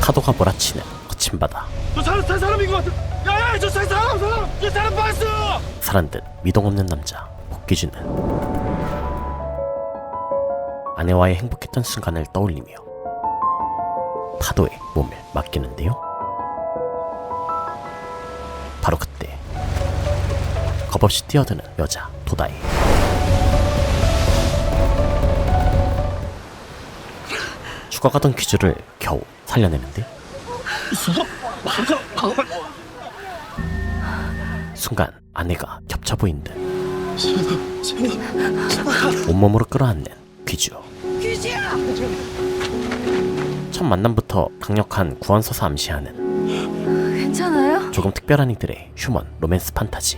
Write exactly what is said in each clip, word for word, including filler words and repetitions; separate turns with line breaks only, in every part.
파도가 몰아치는 거친 바다.
저 사람 산 사람인 것 같아. 야야 저 사람 사람 사람 저 사람 봤어.
사란 듯 미동 없는 남자 복귀준은 아내와의 행복했던 순간을 떠올리며 파도에 몸을 맡기는데요. 바로 그때 겁없이 뛰어드는 여자 도다이. 죽어가던 귀주를 겨우 살려내는데 순간 아내가 겹쳐 보인 듯 온몸으로 끌어안는 귀주. 첫 만남부터 강력한 구원서사 암시하는
괜찮아요?
조금 특별한 이들의 휴먼 로맨스 판타지.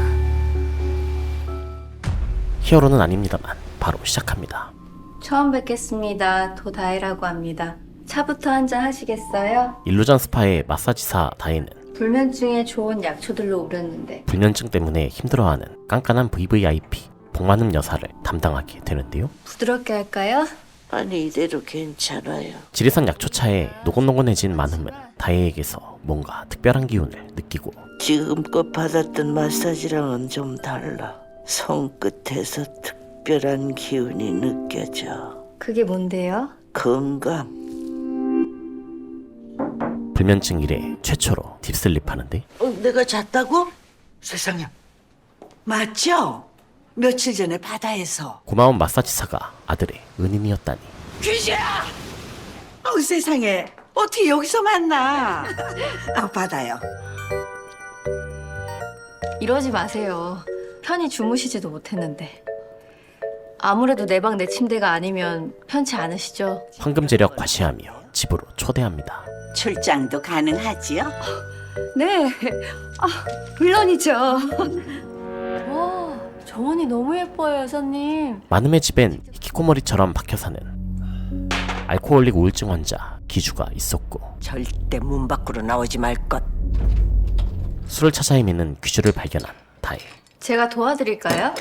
히어로는 아닙니다만 바로 시작합니다.
처음 뵙겠습니다. 도다이라고 합니다. 차부터 한잔 하시겠어요?
일루전 스파의 마사지사 다혜는
불면증에 좋은 약초들로 우렸는데
불면증 때문에 힘들어하는 깐깐한 브이브이아이피 복만음 여사를 담당하게 되는데요.
부드럽게 할까요?
아니 이대로 괜찮아요.
지리산 약초차에 노곤노곤해진 만음은 다혜에게서 뭔가 특별한 기운을 느끼고
지금껏 받았던 마사지랑은 좀 달라. 손끝에서 특별한 기운이 느껴져.
그게 뭔데요?
건강.
불면증 이래 최초로 딥슬립하는데
어, 내가 잤다고? 세상에. 맞죠? 며칠 전에 바다에서.
고마운 마사지사가 아들의 은인이었다니.
귀지야! 어, 세상에. 어떻게 여기서 만나? 아, 받아요.
이러지 마세요. 편히 주무시지도 못했는데. 아무래도 내 방 내 침대가 아니면 편치 않으시죠?
황금제력 과시하며 집으로 초대합니다.
출장도 가능하지요?
네. 아, 물론이죠. 와, 정원이 너무 예뻐요, 여사님.
만음의 집엔 히키코모리처럼 박혀 사는 알코올릭 우울증 환자 기주가 있었고
절대 문 밖으로 나오지 말 것.
술을 찾아 헤매는 귀주를 발견한 다혜.
제가 도와드릴까요?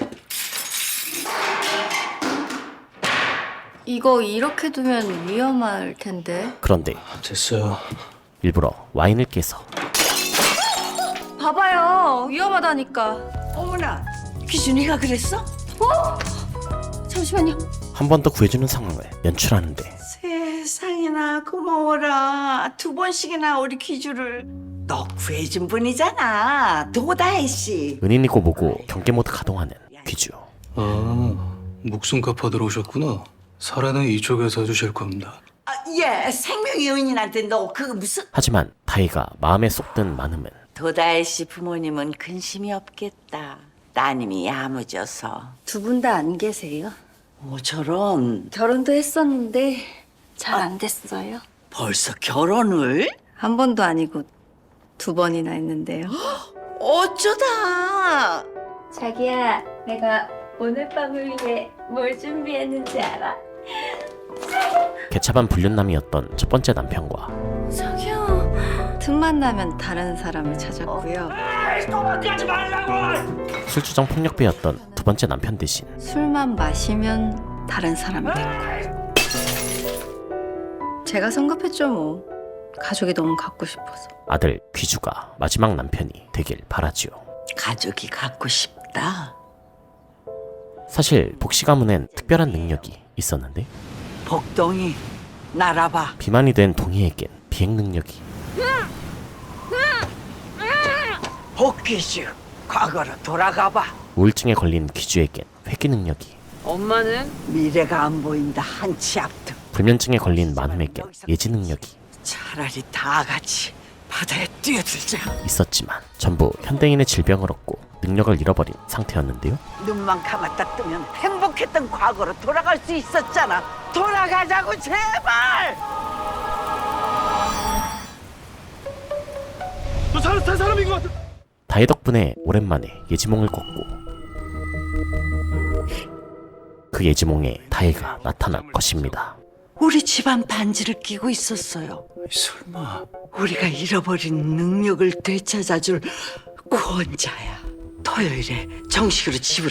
이거 이렇게 두면 위험할 텐데.
그런데
됐어요.
일부러 와인을 깨서
봐봐요, 위험하다니까.
어머나, 귀준이가 그랬어?
잠시만요.
한 번 더 구해주는 상황을 연출하는데
세상에나 고마워라. 두 번씩이나 우리 귀주를. 너 구해준 분이잖아. 도다혜 씨.
은인이고 뭐고 경계 모드 가동하는 귀주.
아, 목숨값 받으러 오셨구나. 사례는 이쪽에서 해주실 겁니다.
아, 예, 생명의 은인한테 너 그거 무슨...
하지만 다혜가 마음에 쏙 든 만음은
도다혜 씨 부모님은 근심이 없겠다. 따님이 야무져서.
두 분 다 안 계세요?
뭐 저런.
결혼도 했었는데 잘 안 됐어요.
벌써 결혼을?
한 번도 아니고 두 번이나 했는데요.
어쩌다.
자기야, 내가 오늘 밤을 위해 뭘 준비했는지 알아?
개차반 불륜남이었던 첫 번째 남편과
자기야, 틈만 나면 다른 사람을 찾았고요.
술주정 폭력배였던 두 번째 남편 대신
술만 마시면 다른 사람이 됐고. 제가 성급했죠 뭐. 가족이 너무 갖고 싶어서.
아들 귀주가 마지막 남편이 되길 바라지요.
가족이 갖고 싶다.
사실 복시 가문엔 특별한 능력이 있었는데
복동이 날아봐.
비만이 된 동희에겐 비행 능력이,
복귀주 과거로 돌아가봐.
우울증에 걸린 귀주에겐 회귀 능력이,
엄마는 미래가 안 보인다. 한치 앞도.
불면증에 걸린 만음에겐 예지 능력이
차라리 다 같이 바다에 뛰어들자.
있었지만 전부 현대인의 질병을 얻고 능력을 잃어버린 상태였는데요.
눈만 감았다 뜨면 행복했던 과거로 돌아갈 수 있었잖아. 돌아가자고 제발.
저 사람 산 사람인 것 같아.
다혜 덕분에 오랜만에 예지몽을 꿨고 그 예지몽에 다혜가 나타난 것입니다.
우리 집안 반지를 끼고 있었어요.
설마.
우리가 잃어버린 능력을 되찾아줄 구원자야. 토요일에 정식으로 집으로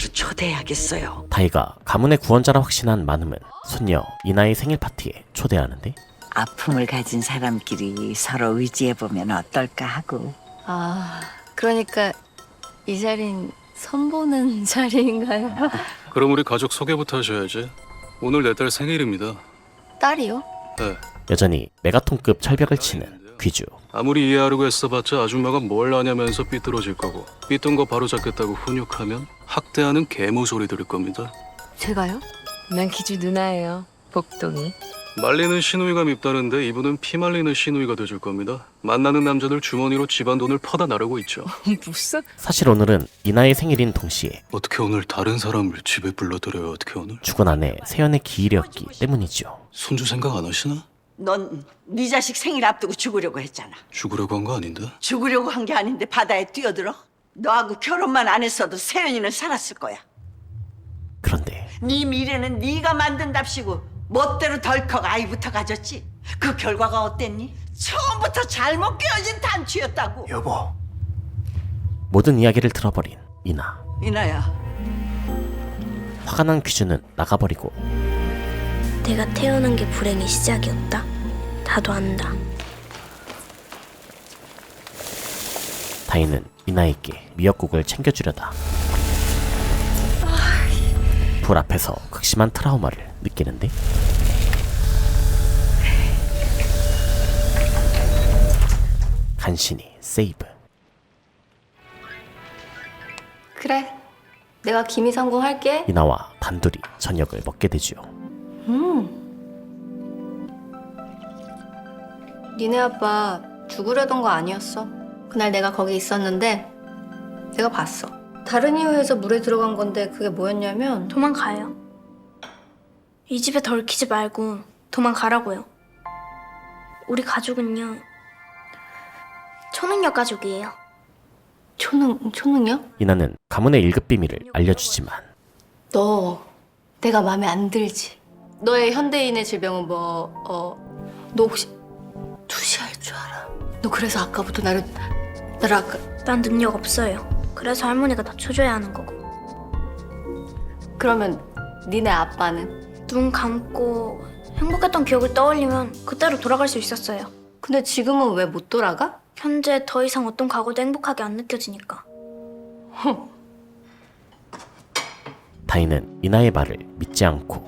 초대해야겠어요.
다혜가 가문의 구원자라 확신한 만음은 손녀 이나의 생일 파티에 초대하는데
아픔을 가진 사람끼리 서로 의지해보면 어떨까 하고.
아, 그러니까 이 자리는 선보는 자리인가요?
그럼 우리 가족 소개부터 하셔야지. 오늘 내 딸 생일입니다.
딸이요?
네.
여전히 메가톤급 철벽을 치는 귀주.
아무리 이해하려고 애써봤자 아줌마가 뭘 아냐면서 삐뚤어질 거고 삐뚤은 거 바로 잡겠다고 훈육하면 학대하는 개모 소리 들을 겁니다.
제가요?
난 기주 누나예요. 복동이.
말리는 시누이가 밉다는데 이분은 피 말리는 시누이가 돼줄 겁니다. 만나는 남자들 주머니로 집안 돈을 퍼다 나르고 있죠.
무슨?
사실 오늘은 이나의 생일인 동시에
어떻게 오늘 다른 사람을 집에 불러들여요? 어떻게 오늘?
죽은 아내 세연의 기일이었기 때문이죠.
손주 생각 안 하시나?
넌 네 자식 생일 앞두고 죽으려고 했잖아.
죽으려고 한 거 아닌데?
죽으려고 한 게 아닌데 바다에 뛰어들어? 너하고 결혼만 안 했어도 세연이는 살았을 거야.
그런데
네 미래는 네가 만든답시고 멋대로 덜컥 아이부터 가졌지. 그 결과가 어땠니? 처음부터 잘못 끼어진 단추였다고.
여보.
모든 이야기를 들어버린 이나.
이나야,
화가 난 귀주는 나가버리고
내가 태어난 게 불행의 시작이었다. 나도 안다.
다인은 이나에게 미역국을 챙겨주려다 불 앞에서 극심한 트라우마를 느끼는데 간신히 세이브.
그래. 내가 기미 성공할게.
이나와 단둘이 저녁을 먹게 되죠.
음. 니네 아빠 죽으려던 거 아니었어. 그날 내가 거기 있었는데 내가 봤어. 다른 이유에서 물에 들어간 건데 그게 뭐였냐면
도망가요. 이 집에 더 얽히지 말고 도망가라고요. 우리 가족은요. 초능력 가족이에요.
초능, 초능력?
이나는 가문의 일급 비밀을 알려주지만
너 내가 마음에 안 들지? 너의 현대인의 질병은 뭐... 어... 너 혹시 투시할 줄 알아? 너 그래서 아까부터 나를... 나를 아까...
난 능력 없어요. 그래서 할머니가 낮춰줘야 하는 거고.
그러면 니네 아빠는?
눈 감고 행복했던 기억을 떠올리면 그때로 돌아갈 수 있었어요.
근데 지금은 왜 못 돌아가?
현재 더 이상 어떤 과거도 행복하게 안 느껴지니까.
다인은 이나의 말을 믿지 않고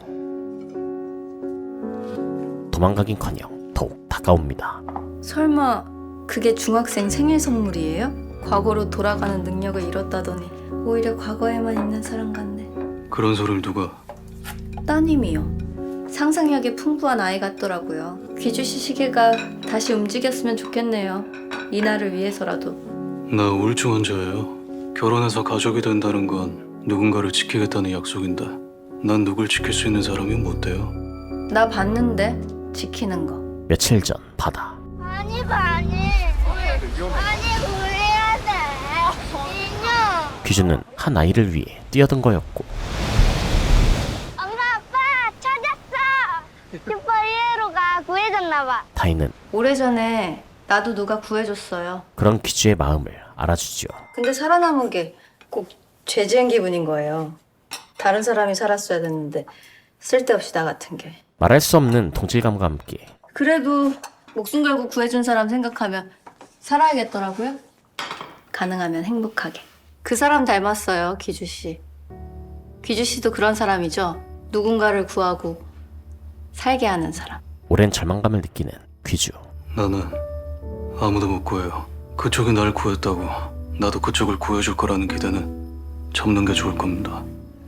도망가긴커녕 더욱 다가옵니다.
설마 그게 중학생 생일 선물이에요? 과거로 돌아가는 능력을 잃었다더니 오히려 과거에만 있는 사람 같네.
그런 소리를 누가?
따님이요. 상상력이 풍부한 아이 같더라고요. 귀주시 시계가 다시 움직였으면 좋겠네요. 이나를 위해서라도.
나 우울증 환자예요. 결혼해서 가족이 된다는 건 누군가를 지키겠다는 약속인데 난 누굴 지킬 수 있는 사람이 못 돼요.
나 봤는데 지키는 거.
며칠 전 바다.
아니 아니 아니 그래야 돼 인형.
귀주는 한 아이를 위해 뛰어든 거였고
엄마 아빠 찾았어. 슈퍼히어로가 구해줬나봐.
다인은
오래전에 나도 누가 구해줬어요.
그런 귀주의 마음을 알아주죠.
근데 살아남은 게 꼭 죄 지은 기분인 거예요. 다른 사람이 살았어야 됐는데 쓸데없이 나 같은 게.
말할 수 없는 동질감과 함께
그래도 목숨 걸고 구해준 사람 생각하면 살아야겠더라고요. 가능하면 행복하게. 그 사람 닮았어요, 기주 씨. 기주 씨도 그런 사람이죠. 누군가를 구하고 살게 하는 사람.
오랜 절망감을 느끼는 귀주.
나는 아무도 못 구해요. 그쪽이 날 구했다고 나도 그쪽을 구해줄 거라는 기대는 접는 게 좋을 겁니다.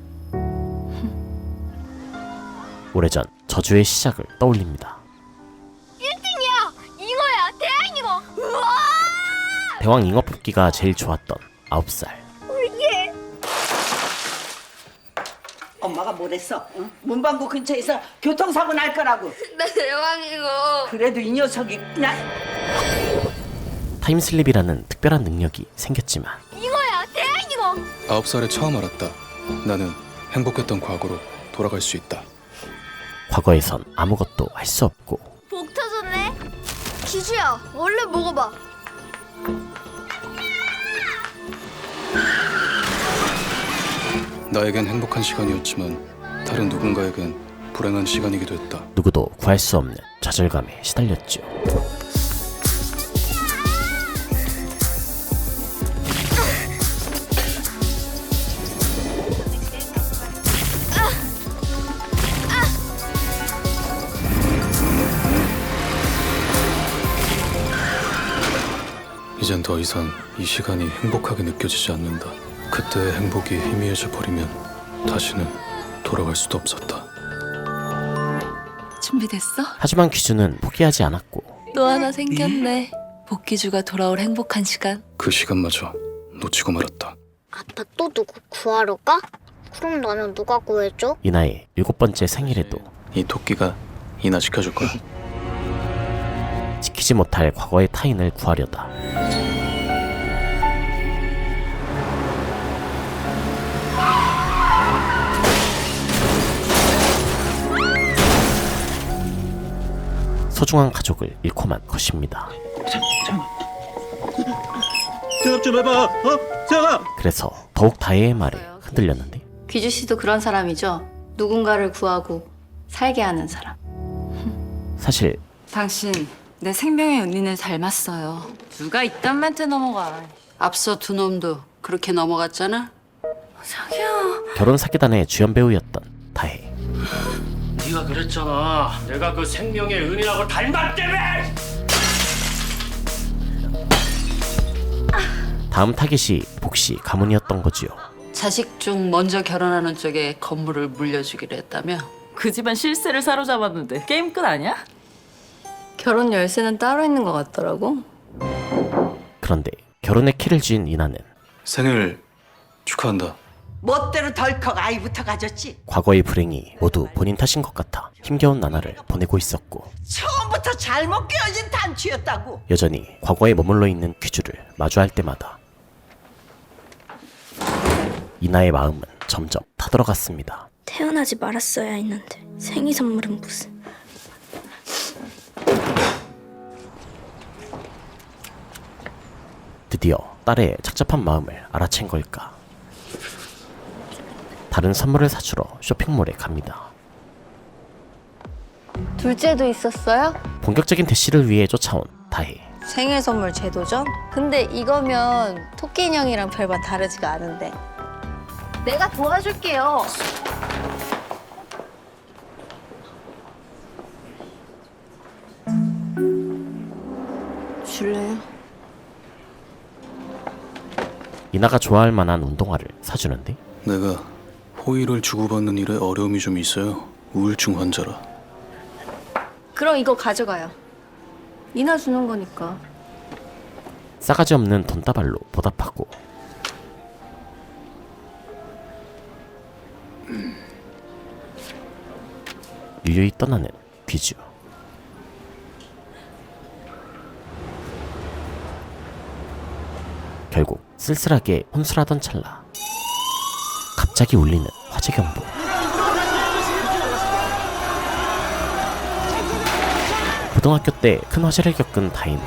오래전 저주의 시작을 떠올립니다.
이거야 대왕이고. 우와.
대왕 잉어 뽑기가 제일 좋았던 아홉 살.
엄마가 뭐랬어? 응? 문방구 근처에서 교통사고 날 거라고.
나 대왕이고.
그래도 이 녀석이 그냥.
타임슬립이라는 특별한 능력이 생겼지만
이거야 대왕이고.
아홉 살에 처음 알았다. 나는 행복했던 과거로 돌아갈 수 있다.
과거에선 아무것도 할 수 없고
복 터졌네. 기주야 얼른 먹어봐.
나에겐 행복한 시간이었지만 다른 누군가에겐 불행한 시간이기도 했다.
누구도 구할 수 없는 좌절감에 시달렸죠.
이젠 더 이상 이 시간이 행복하게 느껴지지 않는다. 그때의 행복이 희미해져 버리면 다시는 돌아갈 수도 없었다.
준비됐어?
하지만 귀주는 포기하지 않았고
또 하나 생겼네. 복귀주가 돌아올 행복한 시간.
그 시간마저 놓치고 말았다.
아빠 또 누구 구하러 가? 그럼 나는 누가 구해줘?
이나의 일곱 번째 생일에도
이 토끼가 이나 지켜줄 거야.
지키지 못할 과거의 타인을 구하려다 소중한 가족을 잃고만 것입니다.
대답 좀 해봐. 어? 세영아.
그래서 더욱 다혜의 말에 흔들렸는데
귀주 씨도 그런 사람이죠. 누군가를 구하고 살게 하는 사람.
사실
당신 내 생명의 은인을 닮았어요. 누가 이딴 멘트 넘어가.
앞서 두 놈도 그렇게 넘어갔잖아.
결혼 사기단의 주연 배우였던 다혜.
네가 그랬잖아. 내가 그 생명의 은인하고 닮았다며.
다음 타깃이 복시 가문이었던 거지요.
자식 중 먼저 결혼하는 쪽에 건물을 물려주기로 했다며.
그 집안 실세를 사로잡았는데 게임 끝 아니야?
결혼 열쇠는 따로 있는 것 같더라고.
그런데 결혼의 키를 쥔 이나는
생일 축하한다.
멋대로 덜컥 아이부터 가졌지.
과거의 불행이 모두 본인 탓인 것 같아 힘겨운 나날을 보내고 있었고
처음부터 잘못 끼워진 단추였다고.
여전히 과거에 머물러 있는 귀주를 마주할 때마다 이나의 마음은 점점 타들어갔습니다.
태어나지 말았어야 했는데 생일 선물은 무슨.
드디어 딸의 착잡한 마음을 알아챈 걸까. 다른 선물을 사주러 쇼핑몰에 갑니다.
둘째도 있었어요?
본격적인 대시를 위해 쫓아온 다혜.
생일 선물 제도죠? 근데 이거면 토끼 인형이랑 별반 다르지가 않은데. 내가 도와줄게요. 줄래요?
이나가 좋아할 만한 운동화를 사주는데
내가 호의를 주고받는 일에 어려움이 좀 있어요. 우울증 환자라.
그럼 이거 가져가요. 이나 주는 거니까.
싸가지 없는 돈다발로 보답하고 유유히 떠나는 귀주. 결국 쓸쓸하게 혼술하던 찰나 갑자기 울리는 화재 경보. 고등학교 때 큰 화재를 겪은 다혜는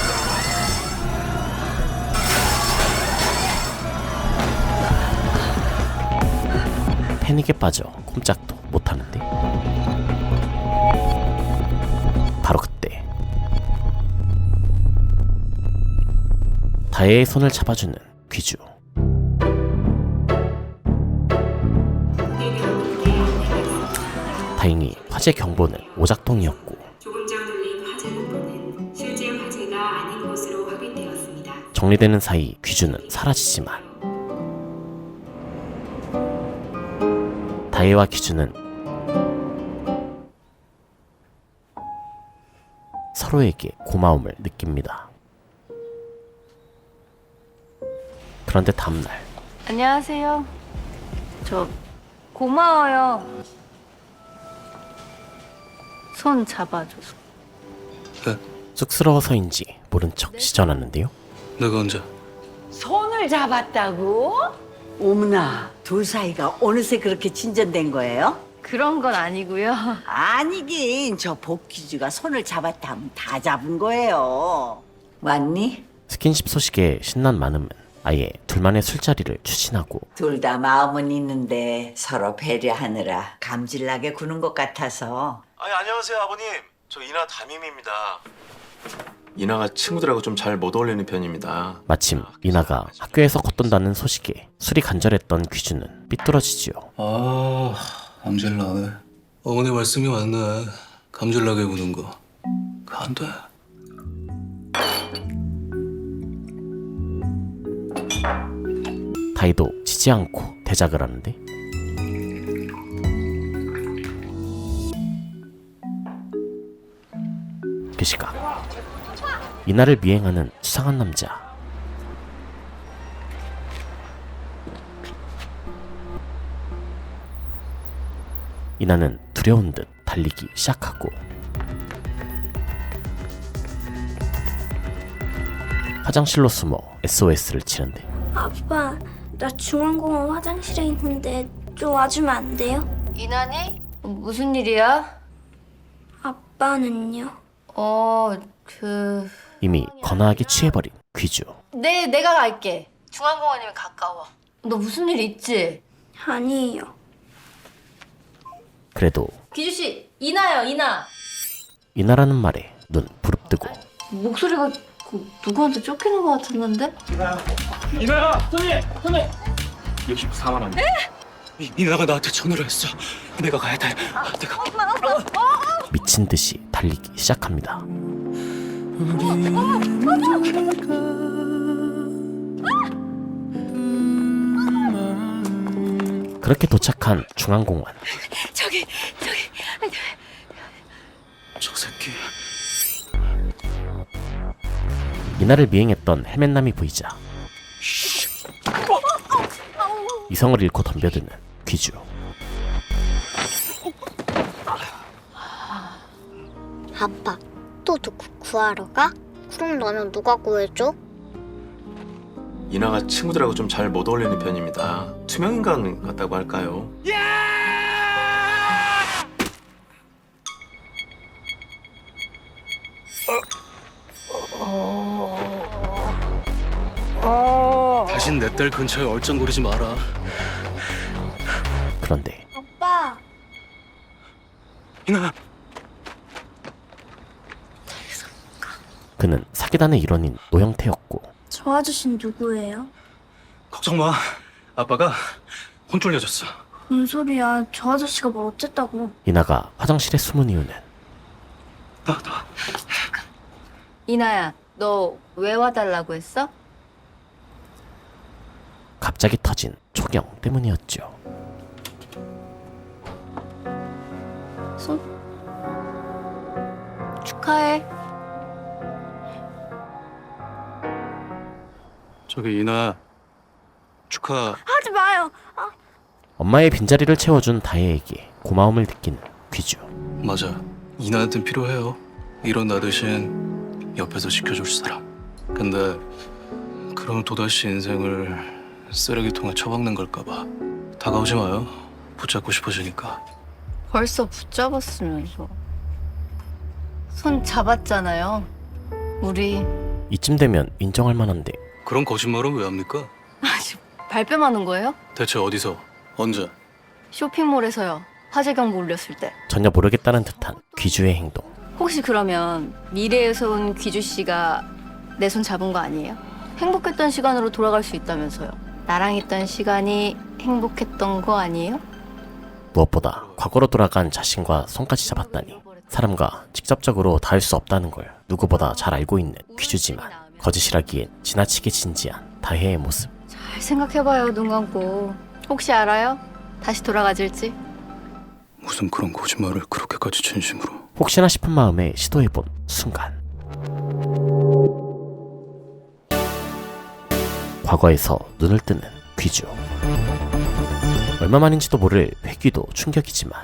패닉에 빠져 꼼짝도 못하는데 바로 그때 다혜의 손을 잡아주는 귀주. 다행히 화재 경보는 오작동이었고
조금 전 울린 화재 경보는 실제 화재가 아닌 것으로 확인되었습니다.
정리되는 사이 귀주는 사라지지만 다혜와 귀주는 서로에게 고마움을 느낍니다. 그런데 다음날
안녕하세요. 저 고마워요. 손 잡아줘서.
쑥스러워서인지 모른 척 시전하는데요.
내가 언제?
손을 잡았다고? 어머나, 둘 사이가 어느새 그렇게 진전된 거예요?
그런 건 아니고요.
아니긴, 저 복귀주가 손을 잡았다 하면 다 잡은 거예요. 왔니?
스킨십 소식에 신난 마음은 아예 둘만의 술자리를 추진하고
둘 다 마음은 있는데 서로 배려하느라 감질나게 구는 것 같아서.
아니 안녕하세요 아버님.
저 이나 담임입니다. 이나가 친구들하고 좀 잘 못 어울리는 편입니다.
마침 이나가 학교에서 걷돈다는 소식에 술이 간절했던 귀주는 삐뚤어지지요.
아, 감질나네. 어머니 말씀이 맞네. 감질나게 구는 거. 그거 안 돼.
다이도 지지 않고 대작을 하는데 그 시각 이나를 미행하는 수상한 남자. 이나는 두려운 듯 달리기 시작하고 화장실로 숨어 에스오에스를 치는데
아빠, 나 중앙공원 화장실에 있는데 좀 와주면 안 돼요?
이나니? 무슨 일이야?
아빠는요?
어, 그...
이미 거나하게 취해버린 귀주.
네, 내가 갈게. 중앙공원이면 가까워. 너 무슨 일 있지?
아니에요.
그래도
귀주씨, 이나요, 이나.
이나라는 말에 눈 부릅뜨고
목소리가 그 누구한테 쫓기는 것 같았는데?
이나야, 손님, 손님. 육십사만 원.
이, 이나가 나한테 전화를 했어. 내가 가야 돼. 내가.
미친 듯이 달리기 시작합니다. 그렇게 도착한 중앙공원.
저기 저기
저 새끼.
이나를 미행했던 헬멧남이 보이자 이성을 잃고 덤벼드는 귀주.
아빠, 또 누구 구하러 가? 그럼 너는 누가 구해줘?
이나가 친구들하고 좀 잘 못 어울리는 편입니다. 투명인간 같다고 할까요?
다신 내 딸 근처에 얼쩡거리지 마라.
그런데
아빠!
이나.
그는 사기단의 일원인 노형태였고
저 아저씨는 누구예요?
걱정 마. 아빠가 혼 쫄려줬어.
뭔 소리야? 저 아저씨가 뭘 어쨌다고?
이나가 화장실에 숨은 이유는
나 나.
이나야, 너 왜 와달라고 했어?
갑자기 터진 초경 때문이었죠.
손? 축하해.
저기 이나 축하.
하지 마요!
엄마의 빈자리를 채워준 다혜에게 고마움을 느낀 귀주.
맞아. 이나한텐 필요해요. 이런 나 대신 옆에서 지켜줄 사람. 근데 그럼 또다시 인생을 쓰레기통에 처박는 걸까봐 다가오지 마요. 붙잡고 싶어지니까.
벌써 붙잡았으면서. 손 잡았잖아요. 우리
이쯤 되면 인정할 만한데
그런 거짓말은 왜 합니까?
발뺌하는 거예요?
대체 어디서? 언제?
쇼핑몰에서요. 화재 경보 울렸을 때.
전혀 모르겠다는 듯한 귀주의 행동.
혹시 그러면 미래에서 온 귀주 씨가 내 손 잡은 거 아니에요? 행복했던 시간으로 돌아갈 수 있다면서요. 나랑 있던 시간이 행복했던 거 아니에요?
무엇보다 과거로 돌아간 자신과 손까지 잡았다니 사람과 직접적으로 닿을 수 없다는 걸 누구보다 잘 알고 있는 귀주지만 거짓이라기엔 지나치게 진지한 다혜의 모습.
잘 생각해봐요, 눈 감고. 혹시 알아요? 다시 돌아가질지?
무슨 그런 거짓말을 그렇게까지 진심으로.
혹시나 싶은 마음에 시도해본 순간 과거에서 눈을 뜨는 귀주. 얼마만인지도 모를 회귀도 충격이지만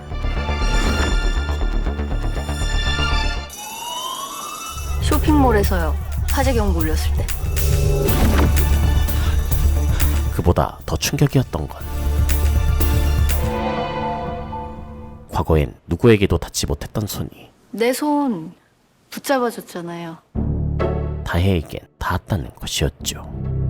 쇼핑몰에서요. 화재 경보 울렸을 때.
그보다 더 충격이었던 건 과거엔 누구에게도 닿지 못했던 손이
내 손 붙잡아줬잖아요.
다혜에겐 닿았다는 것이었죠.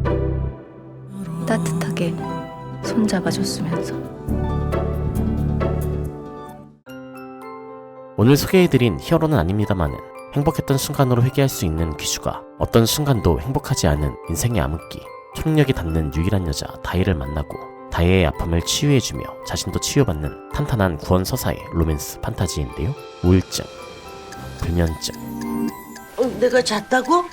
따뜻하게 손 잡아줬으면서.
오늘 소개해드린 히어로는 아닙니다만은 행복했던 순간으로 회귀할 수 있는 귀주가 어떤 순간도 행복하지 않은 인생의 암흑기, 초능력이 닿는 유일한 여자 다혜를 만나고 다혜의 아픔을 치유해주며 자신도 치유받는 탄탄한 구원 서사의 로맨스 판타지인데요. 우울증, 불면증,
어, 내가 잤다고?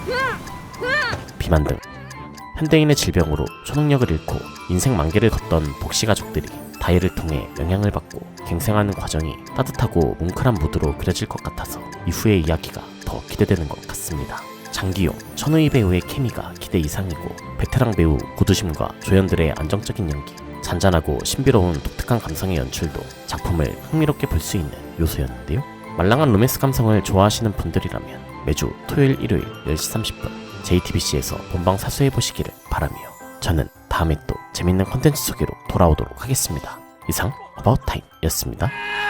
비만 등 현대인의 질병으로 초능력을 잃고 인생 만개를 걷던 복시 가족들이 다혜를 통해 영향을 받고 갱생하는 과정이 따뜻하고 뭉클한 무드로 그려질 것 같아서 이후의 이야기가 더 기대되는 것 같습니다. 장기용, 천우희 배우의 케미가 기대 이상이고 베테랑 배우 고두심과 조연들의 안정적인 연기, 잔잔하고 신비로운 독특한 감성의 연출도 작품을 흥미롭게 볼 수 있는 요소였는데요. 말랑한 로맨스 감성을 좋아하시는 분들이라면 매주 토요일 일요일 열 시 삼십 분 제이티비씨에서 본방 사수해보시기를 바라며 저는 다음에 또 재밌는 콘텐츠 소개로 돌아오도록 하겠습니다. 이상 어바웃타임이었습니다.